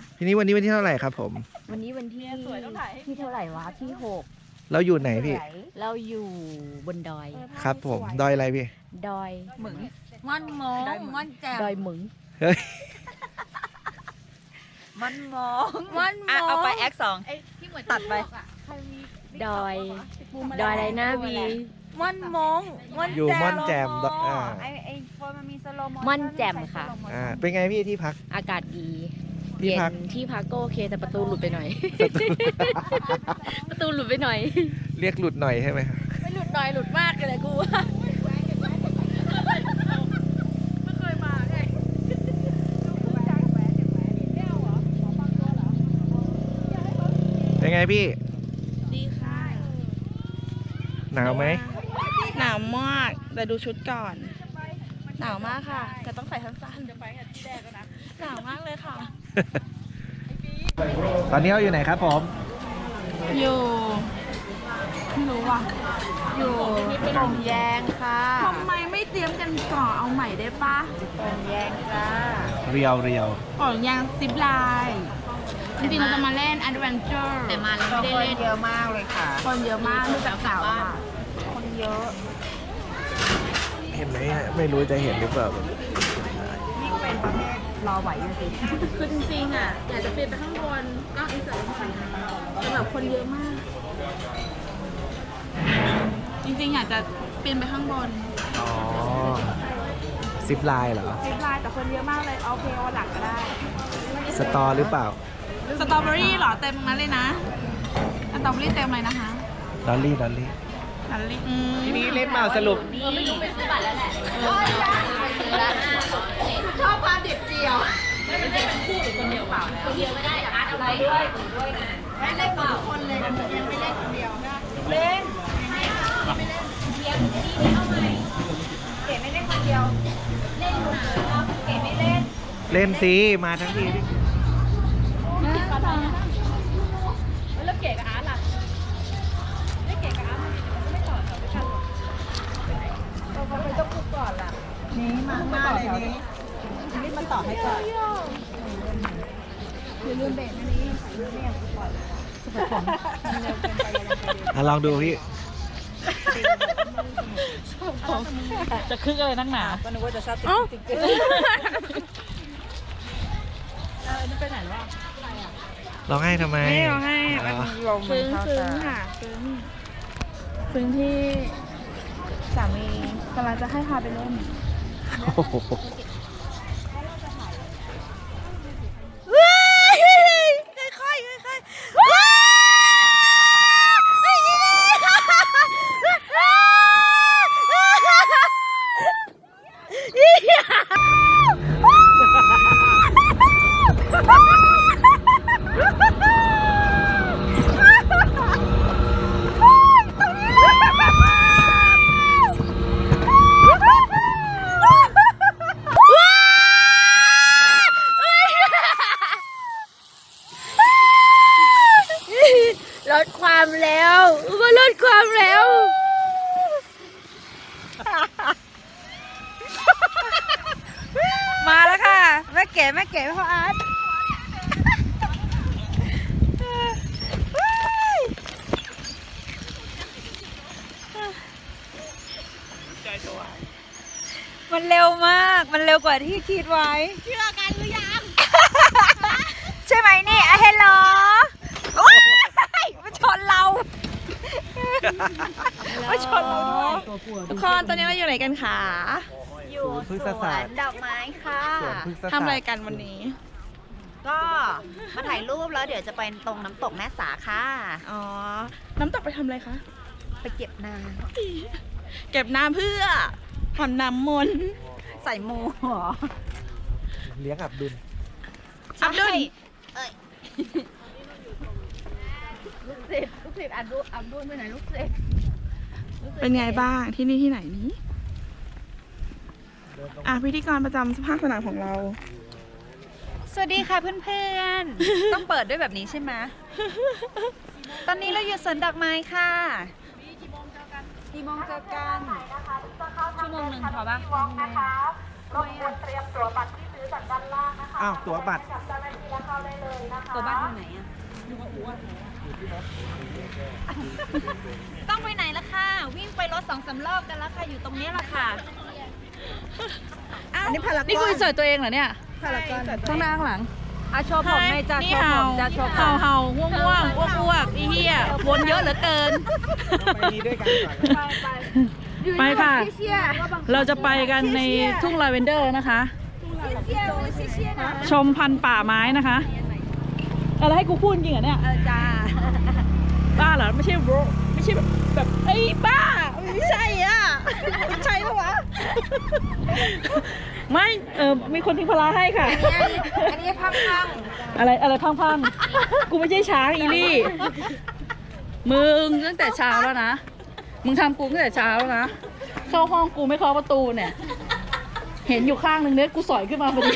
ทีนี้วันนี้วันที่เท่าไหร่ครับผมวันนี้วันที่ที่เท่าไหร่วะที่6 เราอยู่ไหนพี่เราอยู่บนดอยครับผมดอยอะไรพี่ดอยหมึงม่อนมองม่อนแจ่มดอยหมึงเฮ้ยม่อนมองม่อนมองเอาไปแอค2ตัดไปดอยอะไรนะวีม่อนมองม่อนอยู่ม่อนแจ่มอ่าไอโฟนมันมีสโลโมม่อนแจ่มค่ะเป็นไงพี่ที่พักอากาศดีที่เย็พักนที่พักก็โอเคแต่ประตูหลุดไปหน่อย ประตูหลุดไปหน่อยเรียกหลุดหน่อยใช่ไหมครับไม่หลุดหน่อยหลุดมากเลยกูว่าไม่เคยมาไงเป็นไงพี่ดีค่ะหนาวไหมหนาวมากแต่ดูชุดก่อน หนาวมากค่ะแต่ต้องใส่สั้นๆหนาวมากเลยค่ะตอนนี้เราอยู่ไหนครับผมอยู่ไม่รู้ว่ะอยู่โป่งแยงค่ะทำไมไม่เตรียมกันก่อนเอาใหม่ได้ปะโป่งแยงจ้าเรียวเรียวโป่งแยงซิปไลน์จริงๆเราจะมาเล่น Adventure แต่มาแล้วไม่ได้เล่นเยอะมากเลยค่ะคนเยอะมากดูจากข่าวอะค่ะคนเยอะเห็นไหมฮะไม่รู้จะเห็นหรือเปล่านี่เป็นประเภทรอไหวอยู่สิคือจริงๆอ่ะอยากจะเปลี่ยนไปข้างบนก็อินเสิร์ตเข้าไปนะแต่แบบคนเยอะมาก จริงๆอยากจะปีนไปข้างบนอ๋อซิปไลน์เหรอซิปไลน์แต่คนเยอะมากเลยเอาเพลวันหลังก็ได้สตอหรือเปล่าสตรอเบอรี่เหรอเต็มนั้นเลยนะสตรอเบอรี่เต็มเลยนะคะดอลลี่ดอลลี่นันลี่ทีนี้เล่นมาสรุปไม่รู้ไปซื้อบัตรแล้วแหละชอบความเด็ดเดียวคนเดียวไม่ได้อาร์ตเอาไปด้วยด้วยนะไม่เล่นกับทุกคนเลยยังไม่เล่นคนเดียวเล่นเดี๋ยวนี่เอาใหม่เก๋ไม่เล่นคนเดียวเล่นหนาเก๋ไม่เล่นเล่นสิมาทั้งทีดิแล้วเก๋กับอาร์ตล่ะไม่เก๋กับอาร์ตมันไม่ต่อแถวด้วยกันหรอนี่มาหน้าเลยนี่นี่มาต่อให้ก่อนลองดูพี่จะคึกอะไรนักหนาก็นึกว่าจะชอบติ๊กติ๊กร้องไห้ทำไมไม่เอาให้อ๋อลมซึ้งค่ะซึ้งที่สามีกำลังจะให้พาไปเล่นโอ้โหลดความเร็วก็ลดความเร็วมาแล้วค่ะแม่เก๋พ่ออาร์ตมันเร็วมากมันเร็วกว่าที่คิดไว้เชื่อกันหรือยัง ใช่ไหมนี่อะเฮลโหลมาชนเรามาชนเราด้วยทุกคนตอนนี้เราอยู่ไหนกันคะอยู่พฤกษสวศาสตนร์ดอกไม้ค่ะสวนพฤกษศาสตร์ทำอะไรกันวันนี้ก็มาถ่ายรูปแล้วเดี๋ยวจะไปตรงน้ำตกแม่สาค่ะอ๋อ น้ำตกไปทำอะไรคะไปเก็บน้เก็บน้ำเพื่อผ่อนน้ำมนต์ำใส่โมเหรอเลี้ยงอับดุลอับดุลเอ้ยลูกศิษย์อับดุลไปไหนลูกศิษย์เป็นไงบ้างที่นี่ที่ไหนนี้พิธีกรประจำภาคสนามของเราสวัสดีค่ะเพื่อนๆ ต้องเปิดด้วยแบบนี้ใช่ไหม ตอนนี้เราอยู่สวนดอกไม้ค่ะกี่โมงเจอกันชั่วโมงหนึ่งพอปะอ้าวตั๋วบัตรตัวบ้านอยู่ไหนอ่ะต้องไปไหนล่ะค่ะ วิ่งไปรถ2-3 รอบกันแล้วค่ะ อยู่ตรงนี้ละค่ะอันนี้พารากอนนี่คุยเสิร์ชตัวเองเหรอเนี่ยพารากอนข้างหน้าข้างหลังอาโชว์ผมในอยจ้านี่โชว์เห่าผมจ้าโชว์ผมเห่าง่วงง่วงอ้วกอ้วกอีเหี้ยวนเยอะเหลือเกินไปนี้ด้วยกันก่อนไปค่ะ เราจะไปกันในทุ่งลาเวนเดอร์นะคะ ชมพันธุ์ป่าไม้นะคะอะไรให้กูพูดจริงเหรอเนี่ยจ้าบ้าเหรอไม่ใช่โบรไม่ใช่แบบไอ้ยบ้าไม่ใช่อ่ะใช่ปะวะไม่มีคนทิ้งพลาให้ค่ะอันนี้พังอะไรพังๆกูไม่ใช่ช้างอีลี่มึงตั้งแต่เช้าแล้วนะมึงทำกูตั้งแต่เช้าแล้วนะเข้าห้องกูไม่เคาะประตูเนี่ยเห็นอยู่ข้างหนึ่งเนี่ยกูสอยขึ้นมาพอดี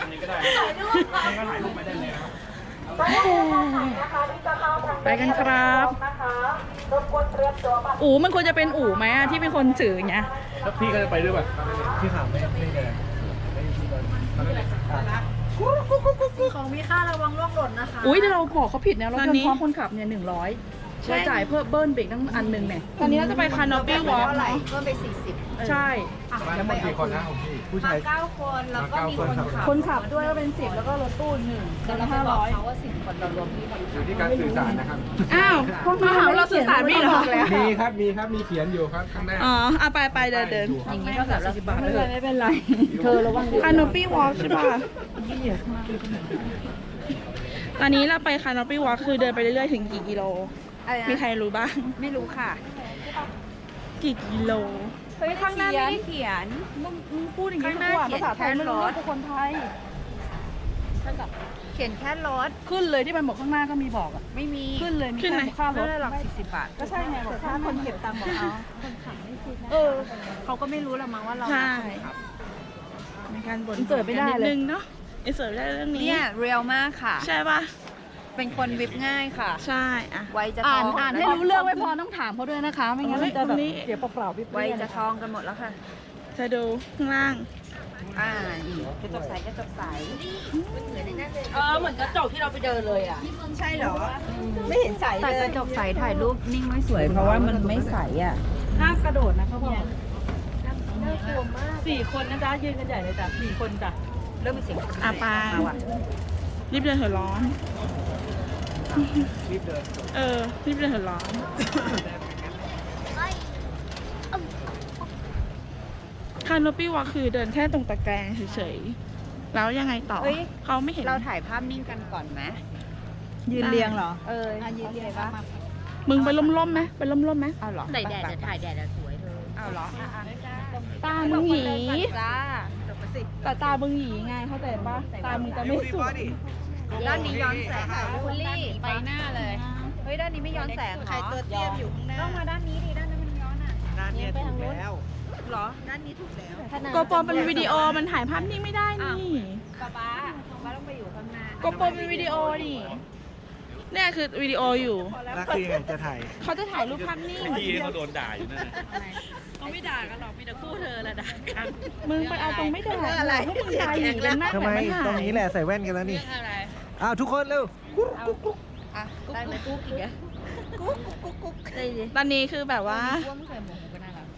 ไปกันครับอู๋มันควรจะเป็นอู๋ไหมอะที่เป็นคนถืออย่างเงี้ยแล้วพี่ก็จะไปด้วยป่ะพี่ถามไม่เลยไม่มีที่ก่อนของมีค่าระวังร่วงหล่นนะคะอุ้ยเดี๋ยวเราบอกเขาผิดนะเราเตรียมพร้อมคนขับเนี่ย100เราจ่ายเพิ่มเบิ้ลเบรกตั้งอันหนึ่งเนี่ยตอนนี้เราจะไปคานอปี้วอล์กเพิ่มไป40 ใช่บ้านทั้งหมดกี่คนนะของพี่ผู้ชาย 9 คนแล้วก็มีคนขับคนขับด้วยก็เป็น10แล้วก็รถตู้1 แต่เราไปบอกเขาว่า10 คนเรารวมที่คนอยู่ที่การสื่อสารนะครับอ้าวมาหาเราสื่อสารไม่เหรอมีครับมีเขียนอยู่ครับข้างหน้าอ๋อเอาไปเดินอย่างนี้เท่ากับ40 บาทไม่เป็นไรเธอระวังคานอปี้วอล์กใช่ป่ะตอนนี้เราไปคานอปี้วอล์กคือเดินไปเรื่อยๆถึงกี่กิโลมีใครรู้บ้างไม่รู้ค่ะกี่กิโลเฮ้ยข้างหน้าไม่ได้เขียนมึงพูดอย่างนี้ทุกวันภาษาไทยไม่รู้เรื่องกับคนไทยเขียนแค่รถขึ้นเลยที่มันบอกข้างหน้าก็มีบอกอ่ะไม่มีขึ้นเลยมีแค่ค่ารถไม่ได้หรอก40 บาทก็ใช่ไงบอกค่าคนเก็บตังค์บอกเอาเขาก็ไม่รู้ละมั้งว่าเราใช่ในการบ่นเสิร์ฟไม่ได้เลยนิดนึงเนาะเสิร์ฟได้เรื่องนี้เนี่ยเรียลมากค่ะใช่ป่ะเป็นคนวิบง่ายค่ะใช่อ่ะไวจะอ่านทองอ่านให้รู้เรื่องไม่พอต้องถามเขาด้วยนะคะไม่งั้นมันจะแบบเสียเปล่าๆพี่ไวจะทองกันหมดแล้วค่ะจะดูข้างล่างอีกกระจกใสกระจกใสเหมือนกระจกที่เราไปเดินเลยอ่ะใช่เหรอ ไม่เห็นใสแต่เลกยระจกใสถ่ายรูปนิ่งไม่สวยเพราะว่ามันไม่ใสอ่ะห้ามกระโดดนะเขาบอก4 คนนะจ๊ะยืนกันใหญ่เลยจ้ะ4 คนจ้ะเริ่มมีเสียงไปมาว่ะรีบเดินเถอะร้อนรีบเดินรีบเดินเถอะร้อนคานอปี้วอล์กคือเดินแค่ตรงตะแกรงเฉยๆแล้วยังไงต่อเขาไม่เห็นเราถ่ายภาพนิ่งกันก่อนไหมยืนเรียงเหรอยืนเรียงปะมึงไปล่มๆไหมไปล่มๆไหมเอาเหรอใส่แดดจะถ่ายแดดสวยเธอเอาเหรอตามึงหยีจ้าแต่ตามึงหยีไงเข้าใจปะตามึงจะไม่สวยด้านนี้ย้อนแสงคุณลี่ไปหน้าเลย เฮ้ยด้านนี้ไม่ย้อนแสงเหรอใครตัวเตี้ยอยู่ข้างหน้าต้องมาด้านนี้ดิด้านนั้นมันย้อนอ่ะด้านนี้ถูกแล้วเหรอด้านนี้ถูกแล้วโกโปรเป็นวิดีโอมันถ่ายภาพนิ่งไม่ได้นี่ป๊าต้องไปอยู่ข้างหน้าโกโปรเป็นวิดีโอนี่เนี่ยคือวิดีโออยู่แล้วคือยังไงจะถ่ายเขาจะถ่ายรูปภาพนิ่งพี่เขาโดนด่าอยู่นั่นแหละเขาไม่ด่ากันหรอกมีแต่คู่เธอแหละด่ากันมึงไปเอาตรงไม่ด่าอะไรพวกมึงด่าหยีกันมากทำไมตรงนี้แหละใส่แว่นกันแล้วนี่อ้าวทุกคนเร็วอ่ะได้ไหมกุ๊กอีกอ่ะกุ๊กได้ดิตอนนี้คือแบบว่าว่าไม่เคยหมูก็น่ารัก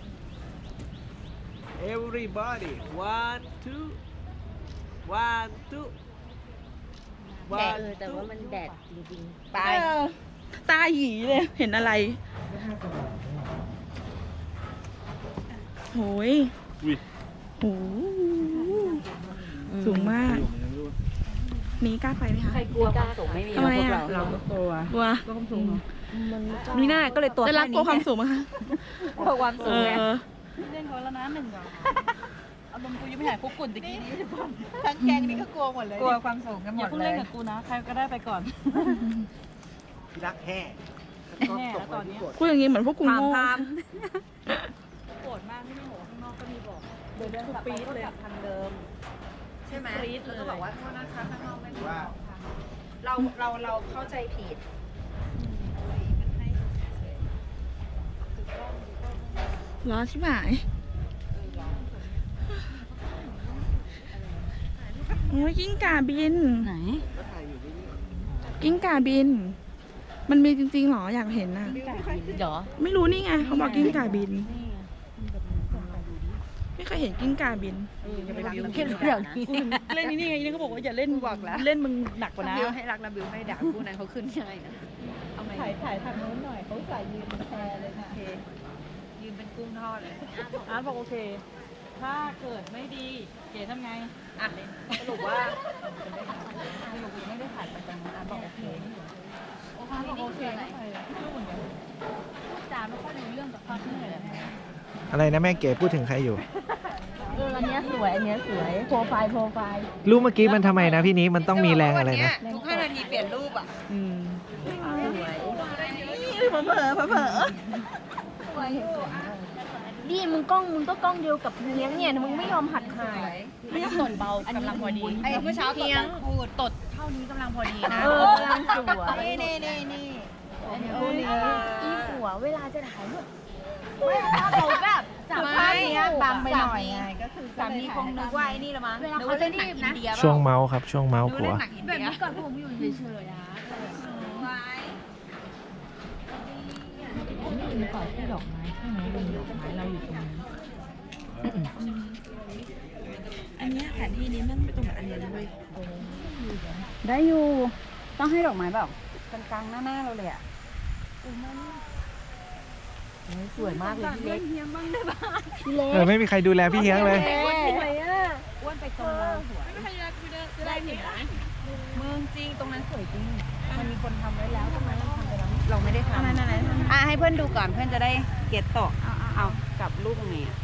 everybody 1 2 1 2 แต่ว่ามันแดดจริงไปตาหยีเลยเห็นอะไรโหยอุ้ยโหสูงมากนี้กล้าไปไหมคะกลัวความสูงไม่มีทำไมอ่ะเราก็กลัวกลัวนี่น่าก็เลยตัวได้รับกลัวความสูงไหมคะกลัวความสูงไงเล่นเขาแล้วนะ1 อารมณ์กูยังไม่หายคุกกุ่นตะกี้นี้ทั้งแกงนี่ก็กลัวหมดเลยกลัวความสูงกันหมอย่าดเพิ่งเลเล่นยกับกูนะใครก็ได้ไปก่อนพี่รักแห่แน่แล้วตอนนี้พูดอย่างนี้เหมือนพวกกูพามโง่พามโกรธมากที่ไม่บอกข้างนอกก็มีบอกเดินทุกปีเลยทางเดิมใช่ไหมกรี๊ดเลยแล้วก็บอกว่าโทษนะคะข้างนอกไม่บอกเราเข้าใจผิดร้อนชิบหายโอ้ยกิ้งก่าบินไหนกิ้งก่าบิน มันมีจริงๆหรออยากเห็นน่ะเดี๋ยวไม่รู้นี่ไงเขาบอกกิ้งก่าบิน ไม่เคยเห็นกิ้งก่าบินอย่าไปรักแค่เรื่องนี้เล่นนี่ไงนี่เขาบอกว่าอย่าเล่นบอกแล้วเล่นมึงหนักกว่านะบิวให้รักนะบิวไม่ด่าคู่นั้นเขาขึ้นง่ายนะเอาไหมถ่ายทางโน้นหน่อยเขาใส่ยืนแพรเลยนะโอเคยืนเป็นกุ้งทอดเลยอาร์ตบอกโอเค ถ้าเกิดไม่ดี เก๋ทำไงอ่ะสรุปว่าสรุปยังไม่ได้ถ่ายไปตรงนั้นอ่ะบอกโอเคอาร์ตบอกโอเคจ๋าไม่ค่อยรู้เรื่องกับความเหนื่อยอะไรนะแม่เก๋พูดถึงใครอยู่อันเนี้ยสวย อันเนี้ยสวย โปรไฟล์รูปเมื่อกี้มันทำไมนะพี่นี้มันต้องมีแรงอะไรนะทุก5 นาทีเปลี่ยนรูปอ่ะอืมนี่มึงก็กล้องเดียวกับเลี้ยงเนี่ยมึงไม่ยอมหัดถ่ายไม่ต้องตดเบากำลังพอดีไอ้เมื่อเช้าตดพูดตดเท่านี้กำลังพอดีนะกำลังสวยนี่อีหัวเวลาจะถ่ายรูปไม่ถ้าเราแบบจับภาพเนี้ยบังไปหน่อยไงก็คือสามีคงนึกว่าไอ้นี่ละมั้งเวลานึกเขาว่าจะเล่นหนังรีบอินะนเดียช่วงเมาส์ครับช่วงเมาส์ดูผัเล่วนหนังอินแบบเดียนี้ก่อนผมอยู่เฉยๆนะมีก่อนที่ดอกไม้ใช่ไหมเป็นดอกไม้เราอยู่ตรงนี้อันเนี้ยแผนที่นี้มันไม่ตรงกับอันเนี้ยนะเว้ยได้อยู่ ต้องให้ดอกไม้แบบกลางๆหน้าเราเลยอ่ะสวยมากเลยพี่เล็กไม่มีใครดูแลพี่เฮียงเลยอ้วนไปตรงเราสวยมึงจริงตรงนั้นสวยจริง มันมีคนทำไว้แล้วทำไมเราทำไปแล้วเราไม่ได้ทำอ่ะให้เพื่อนดูก่อนเพื่อนจะได้เก็ตต่อเอากลับรูปตรงนี้อ่ะ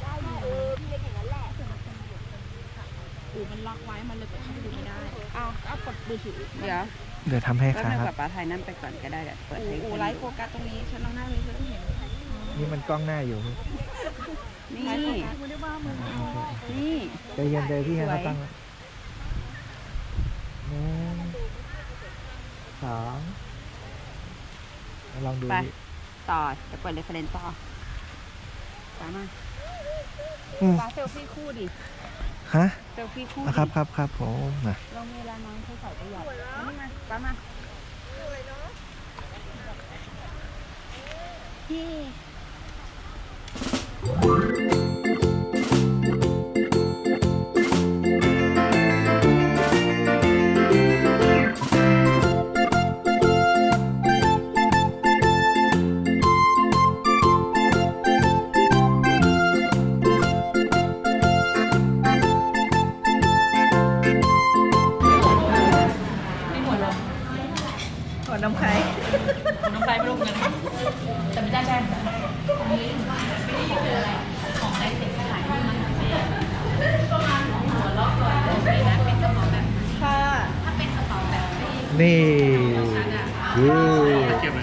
อูมันล็อกไว้มันเลยเปิดเข้าไปดูไม่ได้เอากดมือถือเดี๋ยวเดี๋ยวทำให้แป๊บครันึงกับบ ป้าถ่ายนั่นไปก่อนก็ได้เดี๋ยวเปิดให้อูเพื่อนไลฟ์โฟกัสตรงนี้ฉันลองหน้านี้ฉันต้องเห็นนี่มันกล้องหน้าอยู่นี่นี่ใจเย็นเลยพี่เฮียงเขาตั้งหนึ่งสองลองดูไปดิต่อจะเปิดเรฟเฟรนซ์ต่อไปมาอืมป้าเซลฟี่คู่ดิฮะเซลฟี่คู่อ่ะครับผมนะเรามีเวลาน้อยเธอใส่ประหยัดนี่มาป้ามาที่ขอน้ำใครน้องไปไม่ลงเงินแต่ไม่ได้แจ้งนะของได้เสร็จขายที่มันนี่คือเก็บ